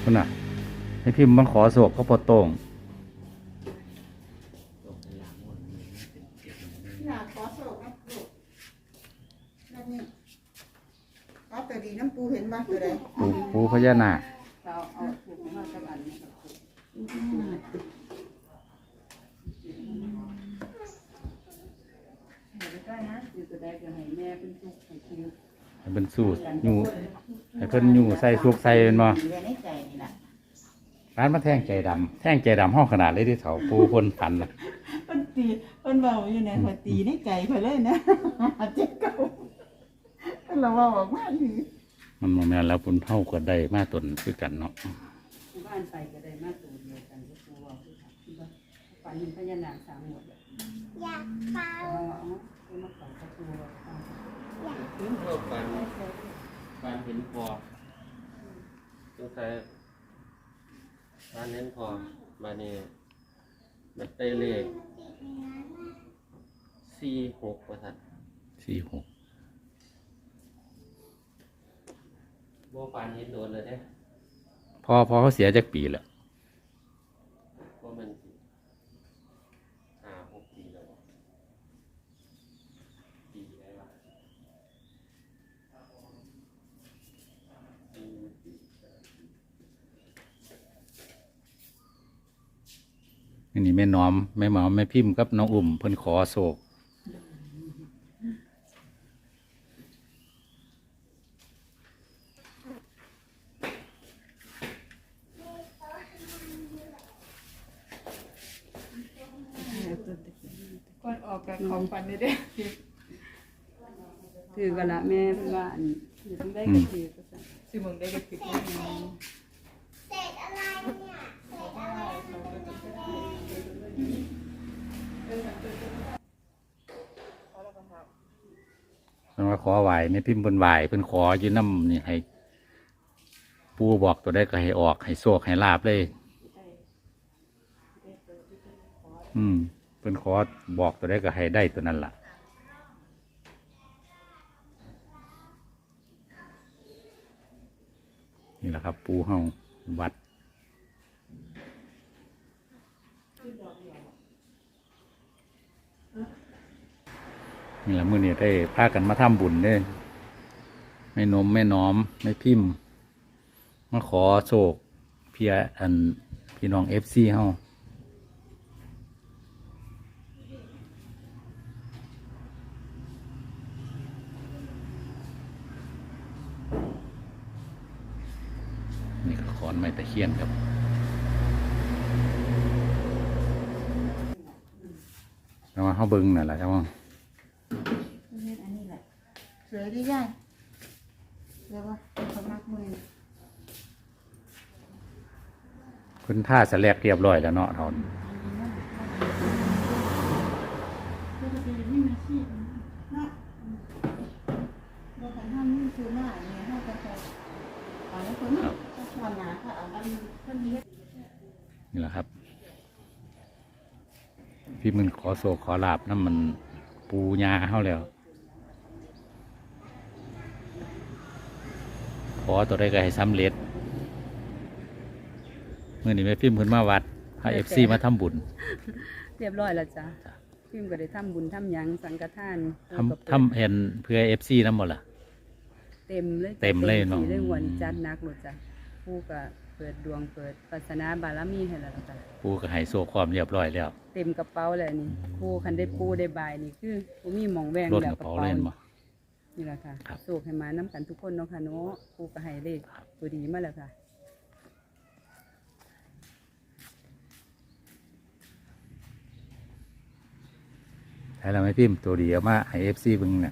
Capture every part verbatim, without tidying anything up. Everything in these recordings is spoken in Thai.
คุณน่ะให้พิมพ์มาขอโศกเขาพอโต้งอยากขอโศกนะลูกนั่นนี่เอาแต่ดีน้ำปูเห็นบ้างตัวใดปูปูพญานาคเราเอาถูกมาสักอันนี้ได้นะอยู่ตัวใดก็ให้แม่เป็นทุกข์ให้คิวให้เป็นสูตรอยู่ให้เพิ่นอยู่ใส่สุกใส่เป็นบ่อยู่ในใจนี่แหละร้านมาแท่งใจดำแท่งใจดำห้องขนาดเลยที่เถาปูคนฝันละมันตีมันเบาอยู่ในหัวตีในใจไปเลยนะเจ็บเก่าเราว่าออกมาอยู่มันโมเมนแล้วปุ่นเผาก็ได้มาตนคือกันเนาะบ้านไปก็ได้มาตัวเดียวกันก็ตัวว่าคือค่ะฝันเห็นพญานาคสามหมดเลยอยากเฝ้าเอาเอามาฝันประตูอยากถึงเราฝันฝันเห็นพอสงสัยฝันเห็นพอมาเนี่ยมันเตเลขสี่หกว่าทันสี่หกโบฝันเห็นโดนเลยเนี่ยพอพอเขาเสียจากปีแล้วว่ามันห้าหกปีแล้วปีอะไรวะอืมอันนี้แม่น้อมแม่หมอมแม่พิมพ์กับน้องอุ่มเพิ่นขอโศกก่อนออกกับของฝันนี่เด้ถือกันละแม่เพื่อนว่าอันอยู่ต้องได้ก็ถือก็สั่งสิมึงได้กับติดได้ยังไงเพิ่นว่าขอไหวแม่พิมพ์เพิ่นไหวเพิ่นขออยู่น้ำนี่ให้ปูบอกตัวได้ก็ให้ออกให้โศกให้ลาบเลย อืมเพิ่นขอบอกตัวได้ก็ให้ได้ตัวนั้นล่ะนี่แหละครับ ปูเฮาวัดนี่แหละมื้อนี้ได้พากันมาทำบุญเด้แม่นมแม่น้อมแม่พิมพ์มาขอโศกเพียอันพี่น้องเอฟซีเฮานี่ก็ขอนไม้ตะเคียนครับแล้วมาเข้าเบิ้งน่ะแหละครับว่าอันนี้แหละสวยดีย่ายเรียกว่าเขามากมือคุณท่าสแลกเรียบร้อยแล้วเนาะทอนเราทำห้ามนี่คือหน้าเนี่ยห้ามกระจายเอาแล้วคนนี้ก็ชวนหนาค่ะเอาอันคนนี้นี่แหละครับ พี่มันขอโศกขอลาบนั่นมันปูยาเข้าแล้ว ขอตัวได้ก็ให้สำเร็จเมื่อนี้แม่พิมพ์ขึ้นมาวัดพาเอฟซีมาทำบุญเรียบร้อยแล้วจ้ะพิมก็ได้ทำบุญทำหยังสังฆทานทำทำเห็นเพื่อเอฟซีนั่นหมดล่ะเต็มเลยเต็มเลยเนาะเรื่องวันจัดนักหมดจ้ะผู้ก็เปิดดวงเปิดปัสนาบารมีให้แล้วจ้ะปูก็ให้โศกความเรียบร้อยแล้วเต็มกระเป๋าเลยนี่ผู้คันได้ปูได้บายนี่คือผู้มีหมองแวงรถแล้กวระเป๋าเล่นบ่นี่แหละค่ะครับโศกให้มาน้ำกันทุกคนเนาะค่ะเนาะผู้ก็ให้เลขตัวดีมาแล้วค่ะให้เราไม่พิมพ์ตัวเดียวมาให้เอฟซีบึงเนี่ย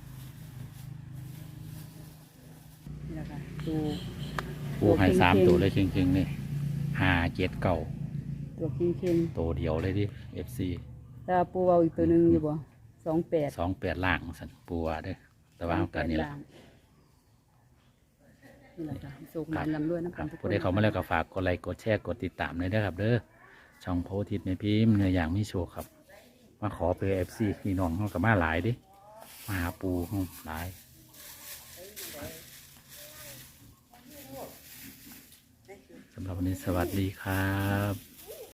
นี่แหละค่ะตัวปูให้สามตัวเลยเชิงๆนี่ห้าเจ็ดเก่าตัวเค็งตัวเดียวเลยดิเอฟซีๆแต่ปูเอาอีกตัวหนึ่งอยู่บ่สองแปดสองแปดล่างสันปูว่าเด้อแต่ว่าเอากันนี่แหละนี่แหละค่ะสุขมันลำด้วยน้ำคกัรันบทุกคผู้นใดเขามาแล้วก็ฝากกดไลค์กดแชร์กดติดตามเลยนะครับเด้อช่องโพธิตแม่พิมพ์เนื้ออย่างมีโชว์ครับ มาขอเพื่อเอฟซีพี่น้องเขากับมาหลายดิมาหาปูเขาหลายำหรับวันนี้สวัสดีครับ